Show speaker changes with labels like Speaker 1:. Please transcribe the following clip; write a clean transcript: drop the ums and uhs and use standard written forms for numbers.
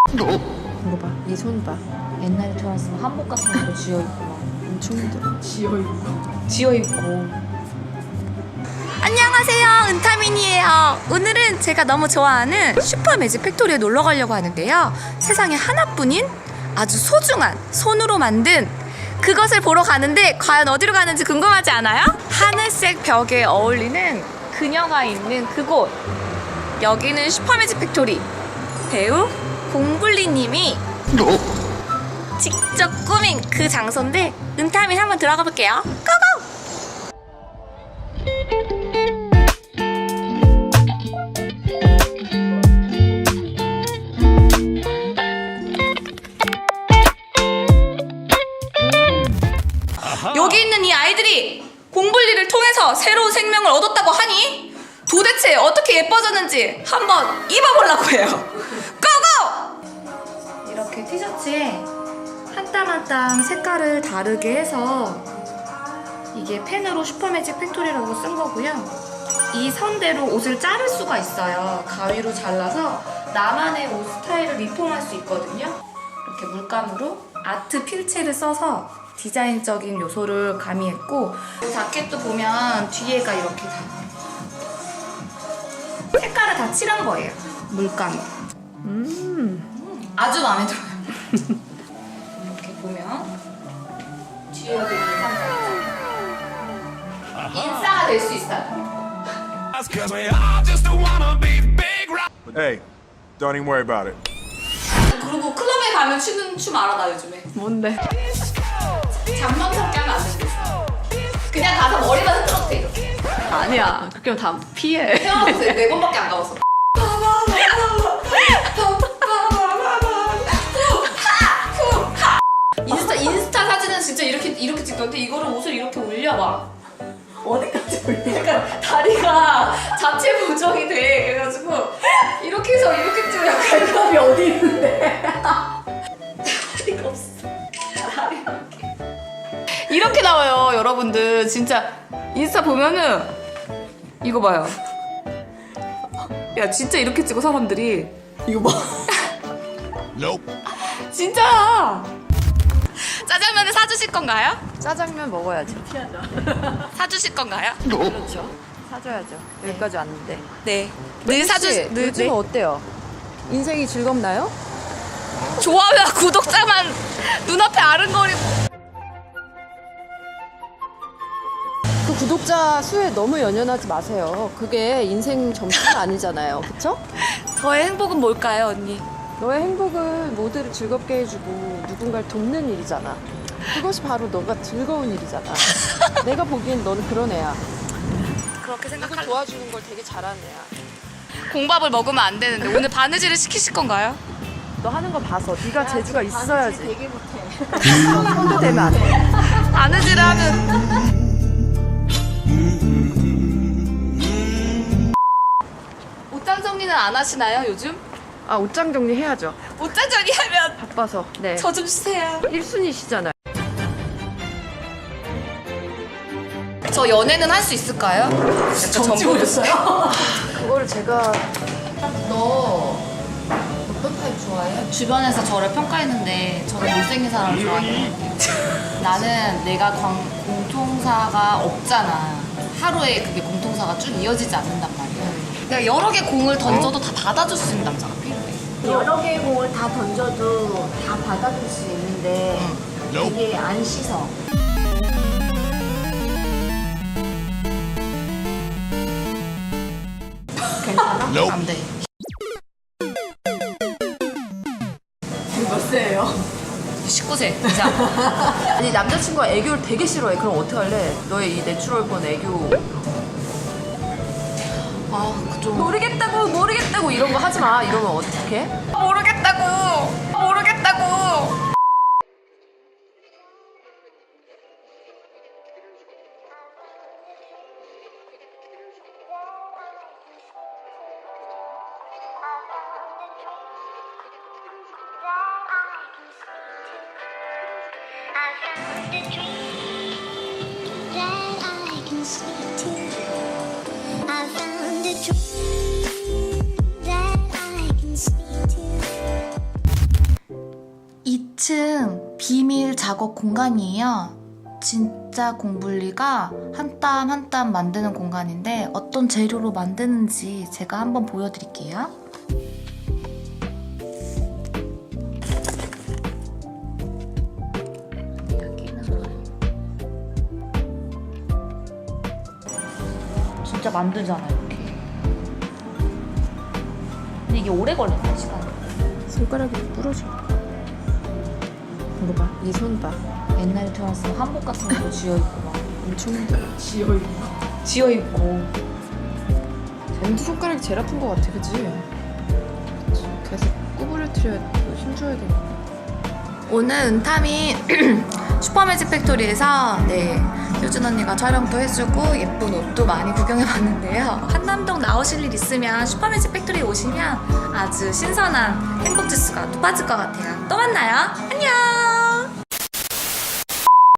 Speaker 1: 이거 봐, 이 손 봐.
Speaker 2: 옛날에 돌아왔으면 한복 같은 거 쥐어입고 막
Speaker 1: 엄청 힘들어.
Speaker 2: 쥐어입고. 안녕하세요, 은타민이에요. 오늘은 제가 너무 좋아하는 슈퍼 매직 팩토리에 놀러 가려고 하는데요. 세상에 하나뿐인 아주 소중한 손으로 만든 그것을 보러 가는데 과연 어디로 가는지 궁금하지 않아요? 하늘색 벽에 어울리는 그녀가 있는 그곳. 여기는 슈퍼 매직 팩토리. 배우 공블리님이 직접 꾸민 그 장소인데 은타민 한번 들어가 볼게요. 고고! 여기 있는 이 아이들이 공블리를 통해서 새로운 생명을 얻었다고 하니 도대체 어떻게 예뻐졌는지 한번 입어보려고 해요. 고고! 이렇게 티셔츠에 한 땀 한 땀 색깔을 다르게 해서 이게 펜으로 슈퍼매직 팩토리라고 쓴 거고요. 이 선대로 옷을 자를 수가 있어요. 가위로 잘라서 나만의 옷 스타일을 리폼할 수 있거든요. 이렇게 물감으로 아트 필체를 써서 디자인적인 요소를 가미했고, 자켓도 보면 뒤에가 이렇게 다 색깔을 다 칠한 거예요. 물감으로. 아주 마음에 들어요. 이렇게 보면 뒤에가 되게 인싸가 될 수 있어요.
Speaker 3: Hey, don't even worry about it.
Speaker 2: 그리고 클럽에 가면 추는 춤 알아, 나 요즘에.
Speaker 1: 뭔데?
Speaker 2: 장난스럽게 하면 안 되는데. 그냥 가서 머리만 흔들어도 돼, 이렇게.
Speaker 1: 아니야. 그렇게 다 피해.
Speaker 2: 태어나서 4번밖에 안 가봤어. 인스타 사진은 진짜 이렇게 찍던데 이거를 옷을 이렇게 올려봐. 어디까지 올려? 약간 다리가 자체 보정이 돼. 그래가지고 이렇게 해서 이렇게 찍으면 갈감이 어디 있는데? 다리가 없어. 다리가 이렇게 나와요, 여러분들. 진짜 인스타 보면은 이거 봐요. 야, 진짜 이렇게 찍어 사람들이. 이거 봐. 진짜. 짜장면을 사주실 건가요?
Speaker 1: 짜장면 먹어야지.
Speaker 2: 사주실 건가요?
Speaker 1: 그렇죠. 사줘야죠. 여기까지 왔는데.
Speaker 2: 네. 늘 사주. 늘
Speaker 1: 요즘은 어때요? 인생이 즐겁나요?
Speaker 2: 좋아요와 구독자만 눈앞에 아른거리고.
Speaker 1: 그 구독자 수에 너무 연연하지 마세요. 그게 인생 점수가 아니잖아요. 그쵸?
Speaker 2: 저의 행복은 뭘까요, 언니?
Speaker 1: 너의 행복은 모두를 즐겁게 해주고 누군가를 돕는 일이잖아. 그것이 바로 너가 즐거운 일이잖아. 내가 보기엔 너는 그런 애야.
Speaker 2: 그렇게
Speaker 1: 누굴
Speaker 2: 생각하려.
Speaker 1: 도와주는 걸 되게 잘하는 애야.
Speaker 2: 공밥을 먹으면 안 되는데 오늘 바느질을 시키실 건가요?
Speaker 1: 너 하는 거 봐서 네가 재주가 있어야지. 되게 못해. 손도 대면 안 돼.
Speaker 2: 바느질을 하면. 옷장 정리는 안 하시나요, 요즘?
Speaker 1: 아, 옷장 정리 해야죠.
Speaker 2: 옷장 정리하면
Speaker 1: 바빠서. 네.
Speaker 2: 저 좀 주세요.
Speaker 1: 1순위시잖아요.
Speaker 2: 저 연애는 할 수 있을까요? 정지 보였어요?
Speaker 1: 그거를 제가
Speaker 2: 너 어떤 타입 좋아해? 주변에서 저를 평가했는데 저는 못생긴 사람을 좋아하는 것 같아요. 나는 내가 공통사가 없잖아. 하루에 그게 공통사가 쭉 이어지지 않는단 말이야. 내가 여러 개 공을 던져도 다 받아줄 수 있는 남자가 필요해.
Speaker 4: 여러 개의 공을 다 던져도 다 받아줄 수 있는데 이게 안 씻어. 괜찮아?
Speaker 2: 안 돼.
Speaker 1: 몇 세예요?
Speaker 2: 19세 이상.
Speaker 1: 아니, 남자친구가 애교를 되게 싫어해. 그럼 어떡할래? 너의 이 내추럴본 애교.
Speaker 2: 좀
Speaker 1: 모르겠다고 이런 거 하지 마. 이러면 어떡해?
Speaker 2: 모르겠다고.
Speaker 5: I found a dream that I can speak to. 2층 비밀 작업 공간이에요. 진짜 공블리가 한 땀 한 땀 만드는 공간인데 어떤 재료로 만드는지 제가 한번 보여드릴게요. 진짜 만들잖아 이렇게. 근데 이게 오래 걸린다 시간이.
Speaker 1: 손가락이 부러져. 이거 봐. 이 손 봐.
Speaker 5: 옛날에 태어났으면 한복 같은 거 쥐어입고 막
Speaker 1: 엄청 힘들어.
Speaker 5: 쥐어입고.
Speaker 1: 쟤도 손가락이 제일 아픈 것 같아, 그치? 계속 구부려뜨려야 힘줘야 돼.
Speaker 5: 오늘 은탐이 슈퍼매직 팩토리에서 효준 언니가 촬영도 해주고 예쁜 옷도 많이 구경해봤는데요. 한남동 나오실 일 있으면 슈퍼매직 팩토리 오시면 아주 신선한 행복 지수가 또 빠질 것 같아요. 또 만나요. 안녕.